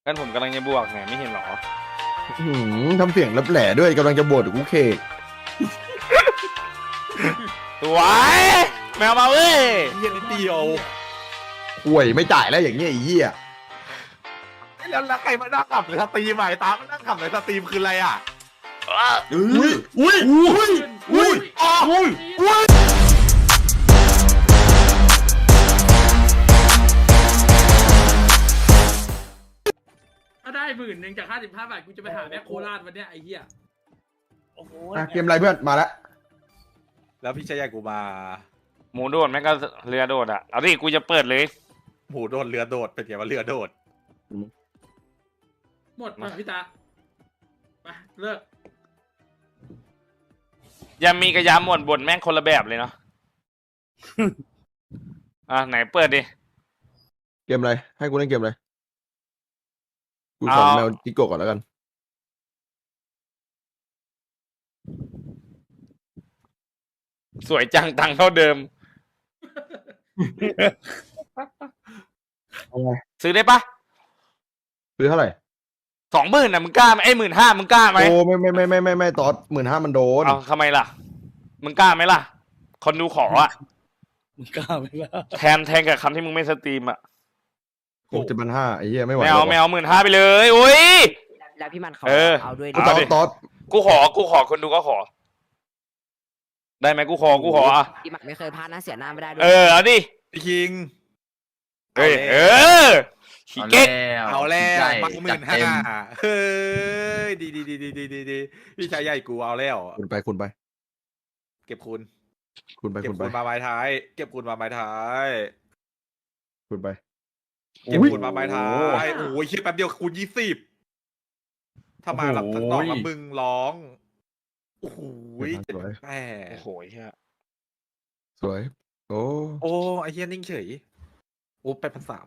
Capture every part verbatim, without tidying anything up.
กันผมกำลังจะบวกเนี่ยไม่เห็นหรอหืมทำเสียงรับแหล่ด้วยกำลังจะบดกูเคกสวยแมวมาเว้ยเฮียนิดเดียวป่วยไม่จ่ายแล้วอย่างเงี้ยไอ้เหี้ยแล้วแล้วใครมานั่งขับในสตรีมอ่ะไอ้ตามานั่งขับในสตรีมคืออะไรอ่ะอุ้ยอุ้ยอุ้ยอุ้ยอุ้ยอุ้ยถ้าได้หมื่นหนึ่งจากห้าสิบห้าบาทกูจะไปหาแม่โคราชวันเนี้ยไอ้เหี้ยโอ้โหอ่ะเกมอะไรเพื่อนมาแล้วแล้วพี่ชายกูมาหมูโดดแม่งก็เรือโดดอ่ะเอาดิกูจะเปิดเลยหมูโดดเรือโดดเป็นไงว่าเรือโดดหมดมาพี่ตาไปเลิกยามีกับยาหมดบนแม่งคนละแบบเลยเนาะ อ่ะไหนเปิดดิเกมอะไรให้กูเล่นเกมอะไรกูสอนเอาแมวจิโกะก่อนแล้วกันสวยจังตังค์เท่าเดิมเอาไงซื้อได้ปะซื้อเท่าไหร่สองหมื่นนะมึงกล้าไหมไอ้หมื่นห้ามึงกล้าไหมโอ้ไม่ไม่ไม่ไม่ไม่ไม่ตอดหมื่นห้ามันโดนเอาทำไมล่ะ มึงกล้าไหมล่ะ คนดูขออ่ะมึงกล้าไหมล่ะแทนแทนกับคำที่มึงไม่สตรีมอ่ะหกเจ็ดพันห้าไอ้เหี้ยไม่ไหวไม่เอาไม่เอาหมื่นห้าไปเลยอุ้ยแล้วพี่มันเขาเออเอาด้วยตดิอดตอดกูขอกูขอคนดูก็ขอ ได้ไหมกูขอกูขออ่ะพี่มันไม่เคยพลาดนะเสียหน้าไม่ได้ด้วเอย อเอาดิพี่คิงเฮ้ยเออขี้เก๊กเอาแล้วใหญ่ปักหมื่จัดนห้าเต็มเฮ้ยดีดีดีดีดีดีดีพี่ชายใหญ่กูเอาแล้วคุณไปคุณไปเก็บคุณคุณไปเก็บคุณไปคุณมาไม้ท้าย เก็บคุณมาไม้ท้ายคุณไปเก็บอุ๊ยคุณมาไม้ท้ายโอ้ยคิดแป๊บเดียวคูณยี่สิบถ้ามาหลับทั้งดอกแล้วมึงร้องโอ้โหเจ็ดแปดโอ้โหเฮียสวยโอ้โอ้ไอเฮียนิ่งเฉยโอ้แปดพันสาม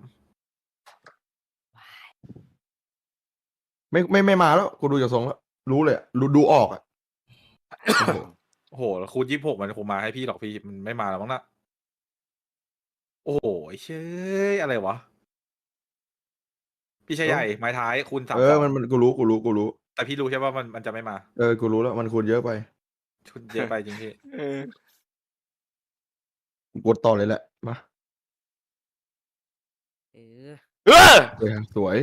ไม่ไม่ไม่มาแล้วกูดูจากทรงแล้วรู้เลยอะรู้ดูออกอ่ะโอ้โหโอ้โหแล้วคูณยี่สิบหกมันคงมาให้พี่หรอกพี่มันไม่มาแล้วมั้งนะโอ้โหไอ้เชยอะไรวะ พี่ชายใหญ่ไม้ท้ายคูณสามเออมันมันกูรู้กูรู้กูรู้แต่พี่รู้ใช่ป่ะมันมันจะไม่มาเออกูรู้แล้วมันคูณเยอะไปชุดเยอะไปจริงพี่เออกูกดต่อเลยแหละมาเออเออเออสวย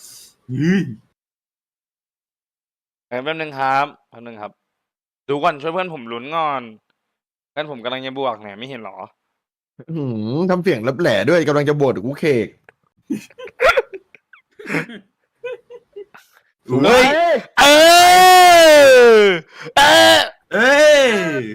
แป๊บนึงครับแป๊บนึงครับ ดูก่อนช่วยเพื่อนผมลุ้นก่อนเพื่อนผมกำลังจะบวกเนี่ยไม่เห็นหรอหืมทำเสียงรับแหล่ด้วยกำลังจะบดกูเคกเฮ้ย เออ เออเอ้ย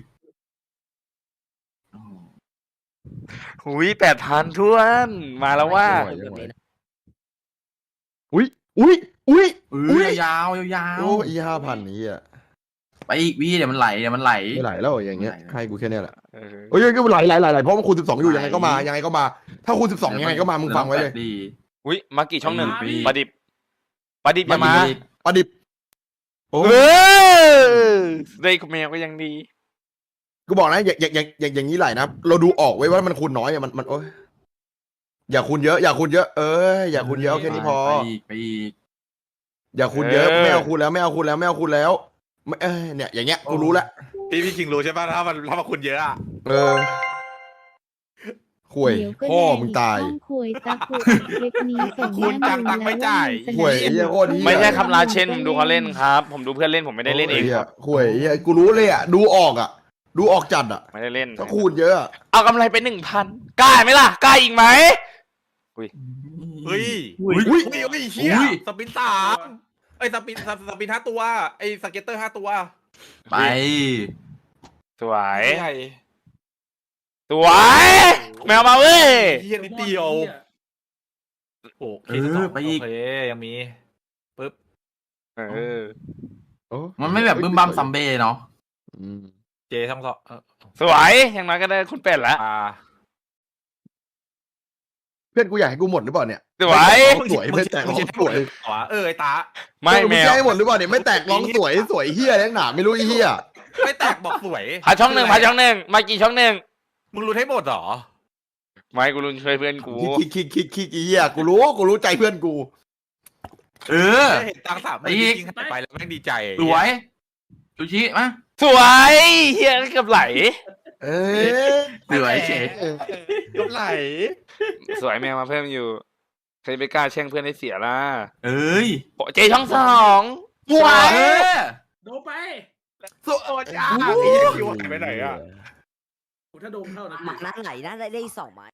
หุยแปดพันทวน มาแล้วว่าเกือบเลยนะอุ้ยอุ้ยอุ้ยเออุ้อย ยาวๆยาวโอ้ยห้าพันนี้อ่ะๆไปอีกพี่เดี๋ยวมันไหลเดี๋ยวมันไหลไม่ไหลแล้วอย่างเงี้ยไม่ไหลให้กูแค่เนี้ยแหละเออโอ้ยก็ไหลไหลไหลไหลเพราะมันคูณสิบสองอยู่ยังไงก็มายังไงก็มา ถ้าคูณสิบสองยังไงก็มามึงฟังไว้เลยดีอุ้ยมากี่ช่องหนึ่งปีประดิบประดิบจะมาประดิบโอ้เออได้คุณแมวก็ยังดีกูบอกนะอย่างอย่างอย่างอย่างอย่างนี้ไหลนะเราดูออกไว้ว่ามันคูณน้อยอะมันมันโอ้ยอย่าคูณเยอะอย่าคูณเยอะเอออย่าคูณเยอะเอาแค่นี้พอไปอีกไปอีกอย่าคูณเยอะเออไม่เอาคูณแล้วไม่เอาคูณแล้วไม่เอาคูณแล้วไม่เออเนี่ยอย่างเงี้ยกูรู้แล้วพี่พี่คิงรู้ใช่ป่ะถ้ามันถ้ามันคุณเยอะอะเออข่วยเดี๋ยวก็พ่อแดงมึงอีกตายห้องคุยตะกุคลิปนี้ส่งคุณแม่จังตังค์ไม่จ่ายข่วยไอ้เหี้ยโคตรเหี้ยไม่ใช่คำลาเช่นผมดูเขาเล่นครับ ผมดูเพื่อนเล่นผมไม่ได้เล่นเองโยครับข่วยไอ้เหี้ยกูรู้เลยอ่ะดูออกอ่ะ ดูออกจัดอ่ะไม่ได้เล่นถ้าคูณเยอะอะเอากำไรไปหนึ่งพันกล้าไหมล่ะกล้าอีกไหมเฮ้ยอุ้ยอุ้ยอุ้ยอุ้ยเฮียอุ้ยสปินสามไอ้ยสปินสสปินห้าตัวไอ้สเก็ตเตอร์ห้าตัวไปสวยใหญ่สวยแมวมาเว้ยเฮียนิดเดียว โอ้เคสสองโอเคยังมีปึ๊บเออโอ้มันไม่แบบบึ้มบัมซัมเบ้เนาะอืมเจทั้งสองเออสวยอย่างน้อยก็ได้คุณเป็ดแล้วอ่าเพื่อนกูอยากให้กูหมดหรือเปล่าเนี่ยสวยสวยไม่แตกร้องสวยอ๋อเออไอ้ตาไม่แมงวจะให้หมดหรือเปล่าเนี่ยไม่แตกร้องสวยสวยเฮียแรงหนาไม่รู้ไอ้เฮียไม่แตกบอกสวยพาช่องหนึ่งพาช่องหนึ่งมากี่ช่องหนึ่งมึงรู้ให้หมดเหรอไม่กูรุนช่วยเพื่อนกูคิกคิกคิกคิกคิกไอ้เฮียกูรู้กูรู้ใจเพื่อนกูเออเห็นตังค์สามหมื่นอีกจริงๆหายไปแล้วแม่งดีใจสวยซูชิมาสวยเฮียเกือบไหลเอ้ยสวยเฉยกำไรสวยแมวมาเพิ่มอยู่ใครไปกล้าแช่งเพื่อนให้เสียล่ะเอ้ยโปะเจช่องสองสวยเออโดนไปโอ้จ้าไอ้เหี้ยคิวหายไปไหนอ่ะโอ้ถ้าโดนเข้านะหมักนั้นไหลน่าได้ได้สองไม้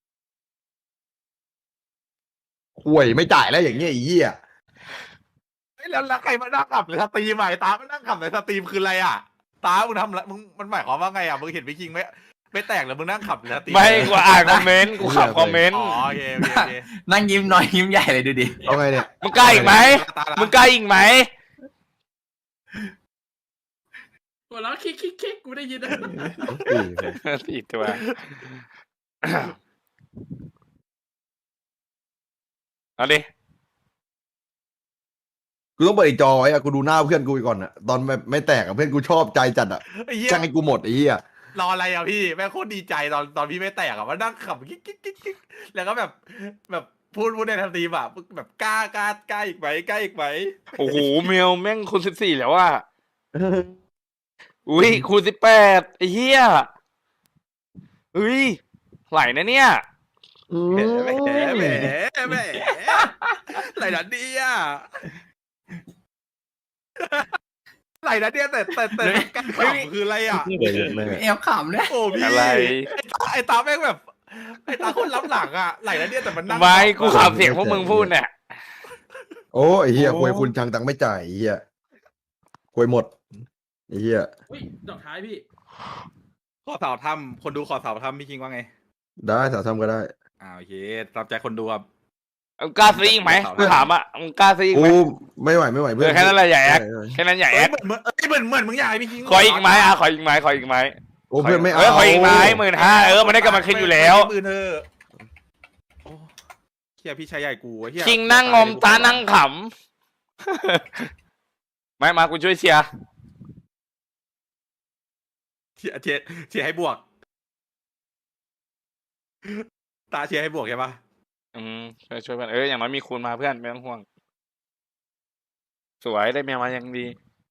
ห่วยไม่จ่ายแล้วอย่างเงี้ยไอ้เหี้ยเฮ้ยแล้วแล้วใครมานั่งขับในสตรีมอ่ะไอ้ตามานั่งขับในสตรีมคืออะไรอ่ะตามึงทำอะไรมึงมันหมายความว่าไงอ่ะมึงเห็นพี่คิงไหมไม่แตกแล้วมึงนั่งขับในสตรีมไม่กูอ่านคอมเมนต์กูขับคอมเมนต์อ๋อโอเคโอเคโอเคนั่งยิ้มน้อยยิ้มใหญ่เลยดูดิเอาไงเนี่ยมึงกล้าอีกไหมตาละมึงกล้าอีกไหมตัวแล้วคิกคิกคิกกูได้ยินนะสี่ตัว เอาดิกูต้องเปิดอีกจอไว้อะกูดูหน้าเพื่อนกูอีกก่อนอะตอนแบบไม่แตกอะเพื่อนกูชอบใจจัดอะไอ้เหี้ยจ้างให้กูหมดไอ้เหี้ยรออะไรอ่ะพี่แม่งโคตรดีใจตอนตอนพี่ไม่แตกอ่ะว่านั่งขับกิ๊กกิ๊กกิ๊กกิ๊กแล้วก็แบบแบบพูดพูดในสตรีมอ่ะแบบกล้ากล้ากล้าอีกไหมกล้าอีกไหมโอ้โหเมลแม่งคูณสิบสี่แล้วอ่ะอุ้ยคูณสิบแปดไอ้เหี้ยอุ้ยไหลนะเนี่ยแหมแหมแหมแหมไหลนัดเดียไหลนัดเดียแต่แต่แต่การขำคืออะไรอ่ะแอบขำเนี่ยโอ้พี่อะไรไอ้ตาแม่งแบบไอ้ตาคนล้ำหลังอ่ะไหลนัดเดียแต่มันนั่งไม่กูขับเสียงพวกมึงพูดเนี่ยโอ้ไอ้เหี้ยควยคุณชังตังค์ไม่จ่ายไอ้เหี้ยควยหมดไอ้เหี้ยอุ้ยดอกท้ายพี่ขอสาวถ้ำคนดูขอสาวถ้ำพี่คิงว่าไงได้สาวทำก็ได้อ่าโอเคตามใจคนดูครับมึงกล้าซื้ออีกไหมกูถามอ่ะมึงกล้าซื้ออีกไหมกูไม่ไหวไม่ไหวเอเพื่ออน แค่นั้นแหละอย่าแอคเออแค่นั้นอย่าแอเอ้ยคเหมือนเหมือนเอ้ยเหมือนเหมือนมึงอยากให้พี่คิงขออีกไหมอ่ะขออีกไหมขออีกไหมโอ้เพื่อนไม่เอาเออขออีกไหมหมื่นห้าเออมันได้กำลังคิดอยู่แล้วมือเธอโอ้เฮียพี่ชายใหญ่กูเฮียคิงนั่งงอมตานั่งขำไม่มากูช่วยเชียร์เชียร์เชียร์เชียร์ให้บวก ตาเชียร์ให้บวกใช่ปะอืมช่วยช่วยเพื่อนเอออย่างน้อยมีคูณมาเพื่อนไม่ต้องห่วง สวยได้เมียมายังดี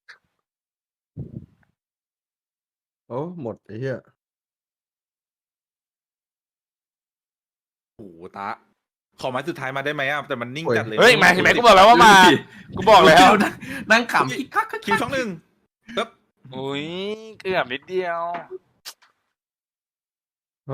โอ้หมดไอ้เหี้ยโอ้โหตาขอไม้สุดท้ายมาได้ไหมอ่ะแต่มันนิ่งจัดเลยเฮ้ยมาเห็นไหมกูบอกแล้วว่ามากูบอกแล้วนั่งนั่งขำคิกคักคักคิวช่องหนึ่งปึ๊บอุ้ยเกือบนิดเดียวโอ้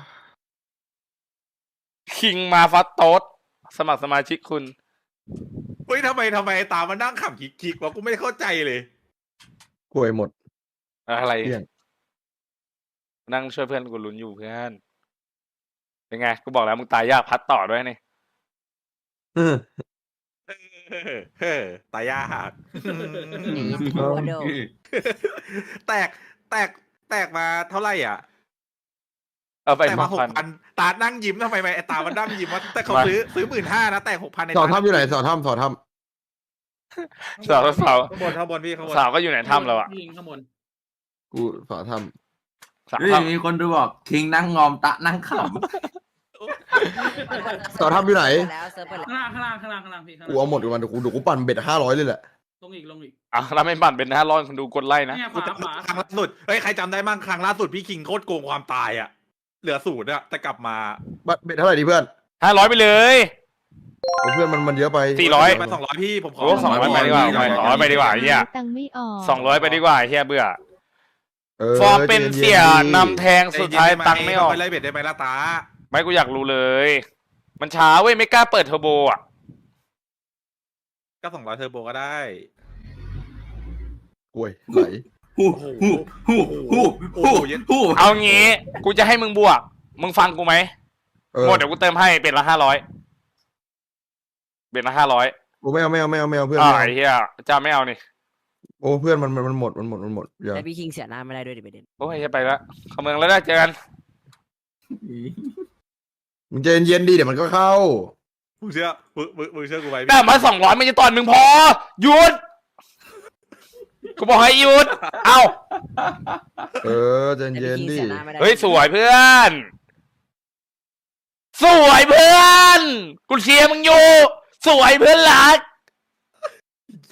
คิงมาฟัตโต๊ดสมัครสมาชิกคุณเฮ้ยทำไมทำไมไอ้ตามันนั่งขำคิกๆวะกูไม่เข้าใจเลยควยหมดอะไรเที่ยงนั่งช่วยเพื่อนกูลุ้นอยู่เพื่อนเป็นไงกูบอกแล้วมึงตายยากพัดต่อด้วยนี่เออเฮ้อเฮ้อตายยากโอ้โดแตกแตกแตกมาเท่าไหร่อ่ะเอาไปแตกหมาก หพักนพันตานั่งยิ้มทำไมไอ้ตามันนั่งยิ้มวะแต่เขามาซื้อซื้อหมื่นห้านะแตกหกพันในสอดถ้ำอยู่ไหนสอดถ้ำสอดถ้สาวสาวข้างบนข้างบนพี่ข้างบนสาวก็อยู่ในถ้ำแล้วอะยิงข้างบนำกูสอดถ้สาวเฮ้ยถ้มีคนดูบอกคิงนั่งงอมตะนั่งขำสอดถ้ำอยู่ไหนแล้วเซิร์ฟเปิดแล้วข้างล่างข้างล่างข้างล่างข้างล่างพี่ข้างกูล่างเอาหมดกันเดี๋ยวกูเดี๋ยวกูปั่นเบ็ดห้าร้อยเลยแหละลงอีกลงอีกำอ่ะแล้วไม่ปั่นเป็นห้าร้อยคนดูกดไล่นะเนี่ยขกูวาจำขวาครั้งล่าสุดเฮ้ยใครจำได้มั่งครั้งล่าสุดพี่คิงโคตรโกงความตายอ่ะ เหลือศูนย์อ่ะแต่กลับมาบัตรเบ็ดเท่าไหร่ดีเพื่อนห้าร้อยไปเลยโอ้เพื่อนมันมันเยอะไปสี่ร้อยไปสองร้อยพี่ผมขอโอ้สองร้อยไปดีกว่าไปสองร้อยไปดีกว่าไอ้เฮียตังค์ไม่ออกสองร้อยไปดีกว่าไอ้เฮียเบื่อเออฟอร์มเป็นเสียย็ๆนำแทงสุดท้ายตังค์ไม่ออกไปไล่เบ็ดได้ไหมล่ะตาไม่กูอยากรู้เลย มันช้าเว้ยไม่กล้าเปิดเทอร์โบอ่ะก็สองร้อยเทอร์โบก็ได้กล้วยไหลำฮู้ฮู้ฮู้ฮู้ฮู้ฮู้เอางี้ กูจะให้มึงบวก มึงฟังกูไหมเออหมดเดี๋ยวกูเติมให้เป็นละห้าร้อยเป็นละห้าร้อยกูไม่เอาไม่เอาไม่เอาไม่เอาเพื่อนอ่าไม่เอาไอ้เฮียจะไม่เอานี่โอ้เพื่อนมันมันมันหมดมันหมดมันหมดอย่าแต่พี่คิงเสียหน้าไม่ได้ด้วยดิประเด็นโอ้ยจะไปละเข้าเมืองแล้วได้เจอกันมึงใจเย็นๆดีเดี๋ยวมันก็เข้ามึงเชื่อมึงมึงมึงเชื่อกูไหมแต่มาสองร้อยไม่จะตอนมึงพอหยุดกูบอกให้หยุด เอ้าเออใจแต่เย็พี่นคิงๆดิเสียหน้าไม่ได้เฮ้ยสวยเพื่อน สวยเพื่อน กูเชียร์มึงอยู่ สวยเพื่อนรัก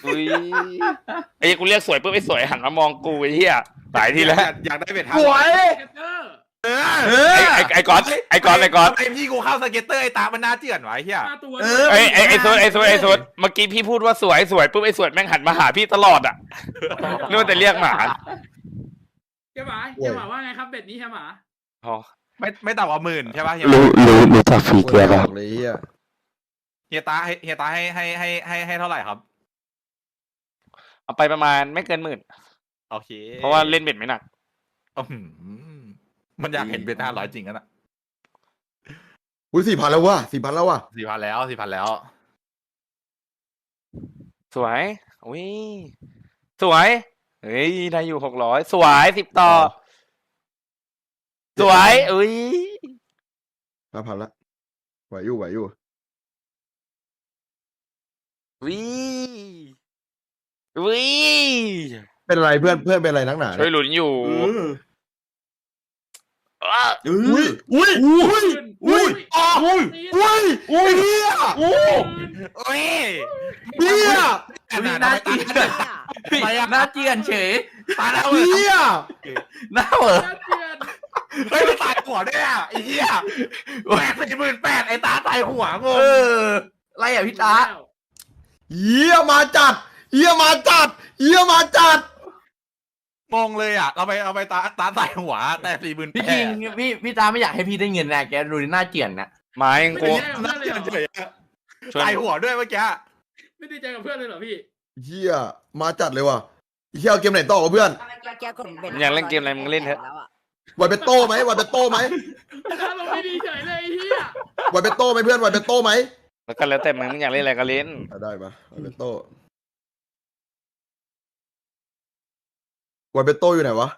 อุ้ยไอ้กูเรียกสวยปุ๊บไอ้สวยหันมามองกูไอ้เหี้ยหลายทีแล้วอยากอยากได้เบ็ดห้าสวร้อยเกตเตอร์เออเออไอ้ไอ้ไอ้ก๊อตไอ้ก๊อตไอ้ก๊อตทำไมพี่กูเข้าสเก็ตเตอร์ไอ้ตามันน่าเจือนไวะไอ้เฮียห้าตัวเออไอ้ไอ้ไอ้สวยไอ้สวยไอ้สวยเมื่อกี้พี่พูดว่าสวยสวยปุ๊บไอ้สวยแม่งหันมาหาพี่ตลอดอ่ะนึกว่าแต่เรียกหมาเฮียหมาเฮียหมาว่าไงครับเบ็ดนี้เฮียหมาอ๋อไม่ไม่ต่ำกว่าหมื่นใช่ป่ะเฮียรู้รู้รู้จักฟรีโอ้เกียยร์บป่ะอกเลยเฮียเฮียตาให้เฮียตาให้ให้ให้ให้ให้เท่าไหร่ครับเอาไปประมาณไม่เกินหมื่นโอเคเพราะว่าเล่นเบ็ดไม่หนักอื้อหือมันอยากเห็นเบ็ดห้าร้อยจริงกันอ่ะอุ้ยสี่พันแล้วว่ะสี่พันแล้วว่ะสี่พันแล้วสี่พันแล้วสวยอุ้ยสวยเฮ้ยได้อยู่หกร้อยสวยสิบต่อ สวยอุ้ยห้าพันละไหวอยู่ไหวอยู่วิวิเป็นอะไรเพื่อนเพื่อนเป็นอะไรนักหนาช่วยหลุนอยู่เอออ้าเออุ้อยอุ้ยอุ้ยอุ้ยอ๋ออุ้ยอุ้ยอุ้ยเฮียโอ้ยเฮียขนาดน่านั้นเจียนน่าเจียนเฉยตายแล้วเฮียน่าเหรอน่าเกลียดเฮ้ยมันตายหัวด้วยอ่ะไอ้เหี้ยแปดสี่หมื่นแปดไอ้ตาตายหัวงงเออไรอ่ะพี่ตาเฮียมาจัดเฮียมาจัดเฮียมาจัดงงเลยอ่ะเราไปเอาไปตาตาตายหัวแต่สี่หมื่นแปพี่ดคิงพี่พี่ตาไม่อยากให้พี่ได้เงินนะแกดูหน้าเจียนนะไม้ยังไม่กูดีใจกับเพื่อนเลยเหรอเฉยๆอะช่วยตายหัวด้วยเมื่อกี้ไม่ดีใจกับเพื่อนเลยเหรอพี่เฮียมาจัดเลยว่ะเฮียเอาเกมไหนต่อวะเพื่อนแกกดเบ็ดอยากเล่นเกมอะไรมึงเล่นเถอะแล้วอะไวเปโต้ไหมไวเปโต้ไหมถ้าเราไม่ดีเฉยเลยไอ้เฮียไวเปโต้ไหมเพื่อนไวเปโต้ไหมแล้วก็แล้วแต่มึงมึงอยากเล่นอะไรก็เล่นอ่ะได้ปะไวเปโต้ไวเปโต้อยู่ไหนวะ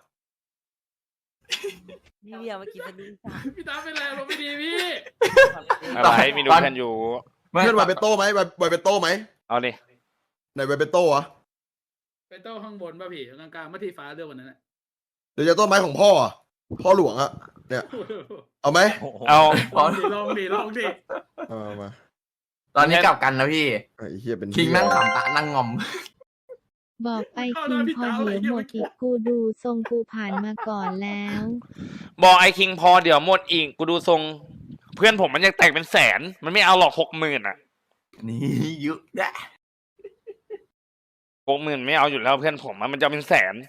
นี่เดียวเมื่อกี้เป็นนินจาพี่ตาเป็นไรเราไม่ดีพี่อะไรมีดูกันอยู่ไม่เพื่อนไวเปโต้ไหมไวไวเปโต้ไหมเอาดิไหนไวเปโต้วะไปโต้ข้างบนป่ะพี่กลางๆเมื่อที่ฟ้าเรื่องวันนั้นน่ะเดี๋ยวจะต้นไม้ของพ่ออ่ะพ่อหลวงอ่ะเนี่ยเอาไหมเอาลองดิลองดิลองดิเอามามาตอนนี้กลับกันนะพี่ไอ้เฮียเป็นคิงนั่งขำตานั่งงอมบอกไปคิงพอเดี๋ยวหมดอีกกูดูทรงกูผ่านมาก่อนแล้วบอกไอ้คิงพอเดี๋ยวหมดอีกกูดูทรง เพื่อนผมมันยังแตกเป็นแสน มันไม่เอาหรอกหกหมื่นอ่ะนี่เยอะแยะหกหมื่นไม่เอาอยู่แล้วเพื่อนผมอะมันจะเป็นแสน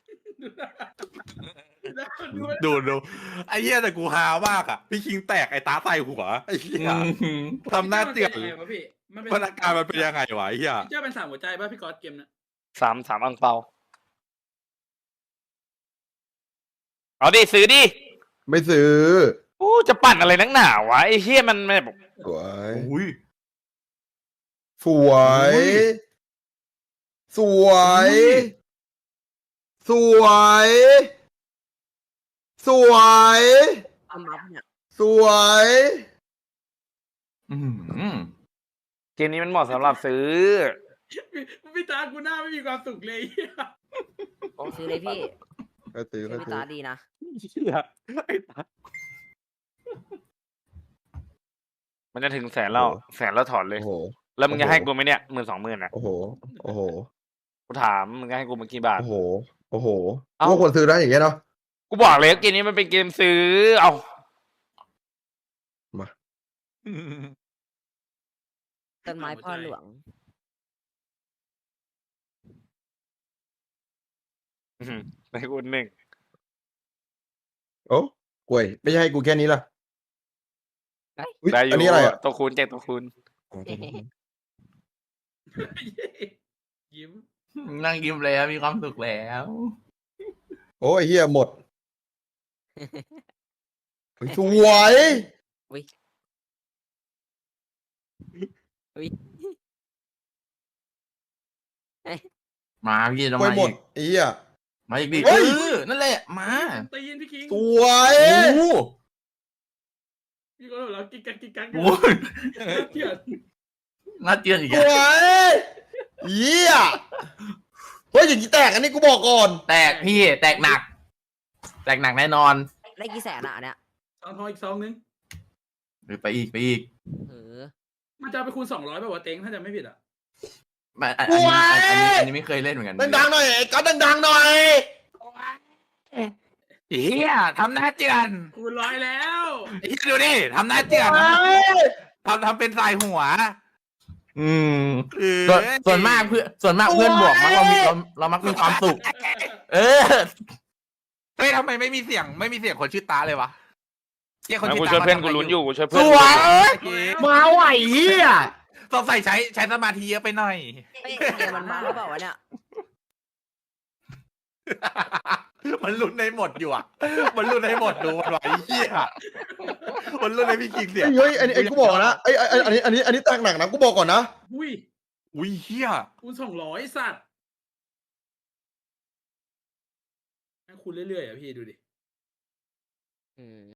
ดูดูไอ้เหี้ยแต่กูฮามากอ่ะพี่คิงแตกไอ้ตาตายหัวไอ้เหี้ยทำหน้าเจือนมัป็ยังไงวะพี่มันเป็นมันอาการมันเป็นยังไงวะไอ้เหี้ยเจ้าเป็นสามหัวใจป่ะพี่ก๊อตเกมน่ะสามสามอังเปา เอาดิซื้อดิไม่ซื้อโอ้จะปั่นอะไรนักหนาวะไอ้เฮียมันแบบสวยอุ้ยสวย สวย สวย สวยเอามาเนี่ยสวยอืมเกมนี้มันเหมาะสำหรับซื้อพี่พี่ตากูหน้าไม่มีความสุขเลยไอ้เหี้ยซื้อเลยพี่ก็ซื้อก็พี่ซื้อตาดีนะเหี้ยไอ้ตามันจะถึงแสนแล้วแสนแล้วถอนเลยโอ้โหแล้วมึงจะให้กูไหมเนี่ยหมื่นสองหมื่นอ่ะโอ้โห โอ้โหกูถามมึงจะให้กูมากี่บาทโอ้โห โอ้โหเอ้าพวกคนซื้อได้อย่างเงี้ยเนาะกูบอกเลยเกมนี้มันเป็นเกมซื้อ เอาต้นไม้พ่อหลวงอื้อหือให้กูหนึ่งโอ้กล้วยไม่ใช่ให้กูแค่นี้ล่ะอุ๊ยได้อยู่อันนี้อะไรอ่ะตัวคูณแจกตัวคูณยิ้มนั่งยิ้มแล้วมีความสุขแล้วโอ้ยเฮียหมดเฮ้ยสวยอุ้ยอุ้ยมาพี่ต้องกล้วยมาหมอีดกไอ้เฮียมาอีกดิเฮ้เอย อนั่นแหละมาตีนพี่คิงสวยโอ้โหพี่ก็เรากิ๊กกักกิ๊กกักโอ้ยเที่ยน่าเจียนอีกสแล้ววยเฮียเฮ้ยอย่างนี้แตกอันนี้กูบอกก่อนแตกพี่แตกหนัก แตกหนักแน่นอนได้กี่แสนอ่ะอันเนี่ยซองทองอีกซองนึงหรือไปอีกไปอีกเออมันจะเอาไปคูณสองร้อยแบบว่าเต็งถ้าจะไม่ผิดอ่ะไม่อันอันนี้อันอันนี้อันนี้ไม่เคยเล่นเหมือนกันดังๆหน่อยไอ้ก๊อตดังๆหน่อยเฮียทำหน้าเจือนคูณร้อยแล้วไอ้เหี้ยดูดิทำหน้าเจือนทำทำเป็นสายหัวอืมเออส่วนส่วนมากเพื่อนส่วนมากเพื่อนบวกมักเรามีเราเรามักมีความสุข เออเฮ้ยทำไมไม่มีเสียงไม่มีเสียงคนชื่อตาเลยวะเฮียคนไม่ชื่กูอตาช่วยเพื่อนมากูทำะไรลุ้นอยู่กูช่วยสเพื่อนวยมาไหวเฮียสงสัยใช้ใช้สมาธิเยอะไปหน่อยเฮ้ยเกมมันมาหรือเปล่าวะเนี่ยมันลุ้นในหมดอยู่อ่ะ มันลุ้นในหมดดูมันไหวเฮียมันลุ้นในพี่คิงเสียงเฮ้ยอันนี้ไอ้กูบอกนะไอ้ไอ้อันนี้อันนี้อันนี้แตกหนักนะกูบอกก่อนนะอุ้ยอุ้ยเฮียคูณสองร้อยสัตว์ให้คูณเรื่อยๆอ่ะพี่ดูดิอืม